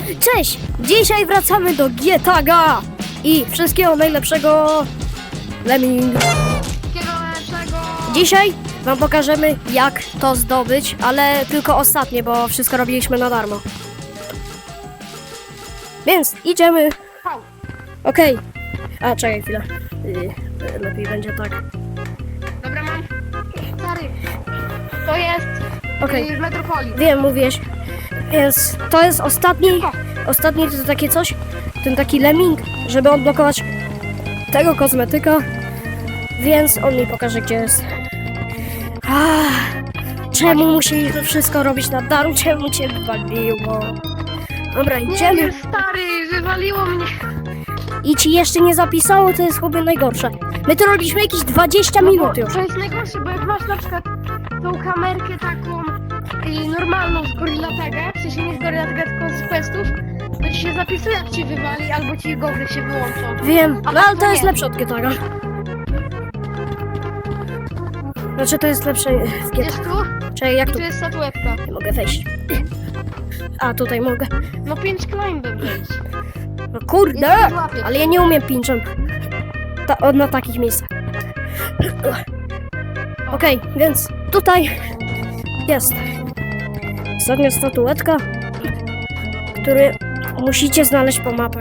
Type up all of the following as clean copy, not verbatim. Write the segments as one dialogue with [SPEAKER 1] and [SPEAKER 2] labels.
[SPEAKER 1] Cześć! Dzisiaj wracamy do Gietaga i wszystkiego najlepszego Lemming. Dzisiaj wam pokażemy, jak to zdobyć, ale tylko ostatnie, bo wszystko robiliśmy na darmo. Więc idziemy. Okej. A, czekaj chwilę. Lepiej będzie tak.
[SPEAKER 2] Dobra, mam. Stary, to jest w Metropolii.
[SPEAKER 1] Wiem, mówiłeś. Więc to jest ostatni to takie coś, ten taki lemming, żeby odblokować tego kozmetyka, więc on mi pokaże, gdzie jest. Czemu musieliśmy wszystko robić na darmo? Czemu cię wywaliło? Dobra, idziemy.
[SPEAKER 2] Nie, stary, wywaliło mnie.
[SPEAKER 1] I ci jeszcze nie zapisało, to jest chyba najgorsze. My to robiliśmy jakieś 20 minut już.
[SPEAKER 2] To jest najgorsze, bo jak masz na przykład tą kamerkę taką normalną z Gorilla Taga, w sensie nie z Gorilla Taga, tylko z questów, to ci się zapisuje, jak ci wywali, albo ci gogry się wyłączą.
[SPEAKER 1] Wiem,
[SPEAKER 2] A
[SPEAKER 1] no ale to
[SPEAKER 2] nie.
[SPEAKER 1] jest lepsze od Gietaga. Znaczy to jest lepsze w
[SPEAKER 2] Jest
[SPEAKER 1] Gietaga.
[SPEAKER 2] tu?
[SPEAKER 1] Czekaj, jak
[SPEAKER 2] I
[SPEAKER 1] tu?
[SPEAKER 2] tu jest statuetka.
[SPEAKER 1] Nie mogę wejść. A, tutaj mogę.
[SPEAKER 2] No 5 climbem wejść.
[SPEAKER 1] No kurde!
[SPEAKER 2] Ja się złapię.
[SPEAKER 1] Ale ja nie umiem pinczem. Na takich miejscach. Okej, więc tutaj jest ostatnia statuetka, który musicie znaleźć po mapach.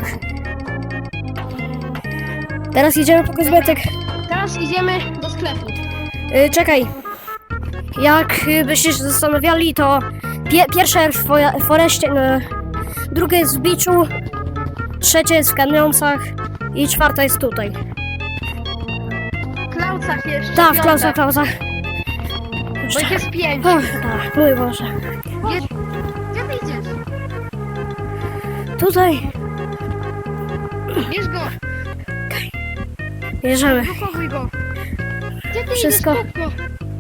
[SPEAKER 1] Teraz jedziemy po kozmetyk.
[SPEAKER 2] Teraz idziemy do sklepu.
[SPEAKER 1] Czekaj. Jak byście się zastanawiali, to pierwsze w foreście, drugie jest w beachu, trzecie jest w kamioncach i czwarta jest tutaj.
[SPEAKER 2] W Klaucach jeszcze.
[SPEAKER 1] Tak, w
[SPEAKER 2] piąte.
[SPEAKER 1] klausach.
[SPEAKER 2] Bo ich jest 5.
[SPEAKER 1] Tak, mój Boże.
[SPEAKER 2] Gdzie ty idziesz?
[SPEAKER 1] Tutaj
[SPEAKER 2] Bierz go,
[SPEAKER 1] bierzemy.
[SPEAKER 2] blokuj go. Gdzie ty
[SPEAKER 1] Wszystko.
[SPEAKER 2] idziesz? Szybko.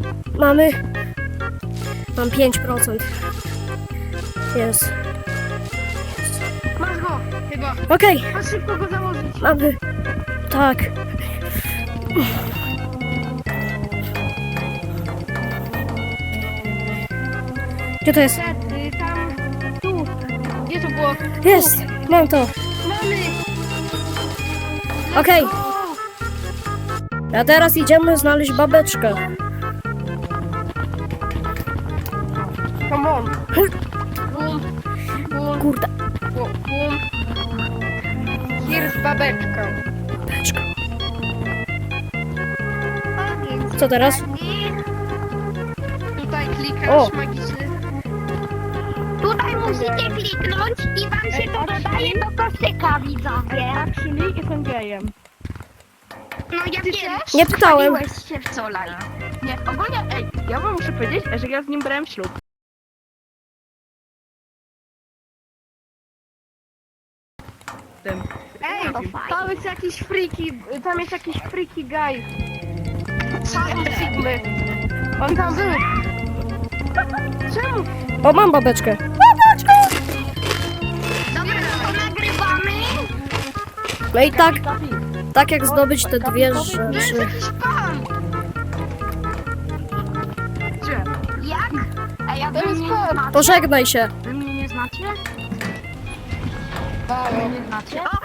[SPEAKER 1] Mam 5%. Jest.
[SPEAKER 2] Masz go, chyba.
[SPEAKER 1] Okej,
[SPEAKER 2] Masz szybko go założyć.
[SPEAKER 1] mamy. Tak. Gdzie to jest?
[SPEAKER 2] Tam, tu. Gdzie to było?
[SPEAKER 1] Jest, mam to.
[SPEAKER 2] Mamy.
[SPEAKER 1] Okej. A teraz idziemy znaleźć babeczkę.
[SPEAKER 2] Come on. Bum, bum,
[SPEAKER 1] Kurde.
[SPEAKER 2] bum. Here's babeczka.
[SPEAKER 1] Babeczka. Co teraz?
[SPEAKER 2] Tutaj
[SPEAKER 1] O.
[SPEAKER 2] klikasz magiczny.
[SPEAKER 3] Tutaj musicie kliknąć i wam się to dodaje do koszyka, widzowie.
[SPEAKER 2] Czyli jestem gejem.
[SPEAKER 3] No ja wiem,
[SPEAKER 1] Nie pytałem.
[SPEAKER 3] wchodziłeś się wczoraj.
[SPEAKER 4] Nie, ogólnie, ja wam muszę powiedzieć, że ja z nim brałem ślub. Tym.
[SPEAKER 2] Ej,
[SPEAKER 3] To fajnie.
[SPEAKER 2] tam jest jakiś freaky guy. Sigmy. On tam był. Czemu?
[SPEAKER 1] O, mam babeczkę.
[SPEAKER 3] Dobra, no to nagrywamy.
[SPEAKER 1] No i tak jak zdobyć te dwie
[SPEAKER 2] To jest
[SPEAKER 1] rzeczy.
[SPEAKER 2] jakiś pan.
[SPEAKER 4] Gdzie?
[SPEAKER 3] Jak? A ja
[SPEAKER 2] To
[SPEAKER 3] wy
[SPEAKER 2] jest
[SPEAKER 3] mnie
[SPEAKER 2] pan.
[SPEAKER 3] nie znacie?
[SPEAKER 1] Pożegnaj się.
[SPEAKER 4] Wy mnie nie znacie?
[SPEAKER 2] Halo.
[SPEAKER 4] Nie znacie?
[SPEAKER 3] O,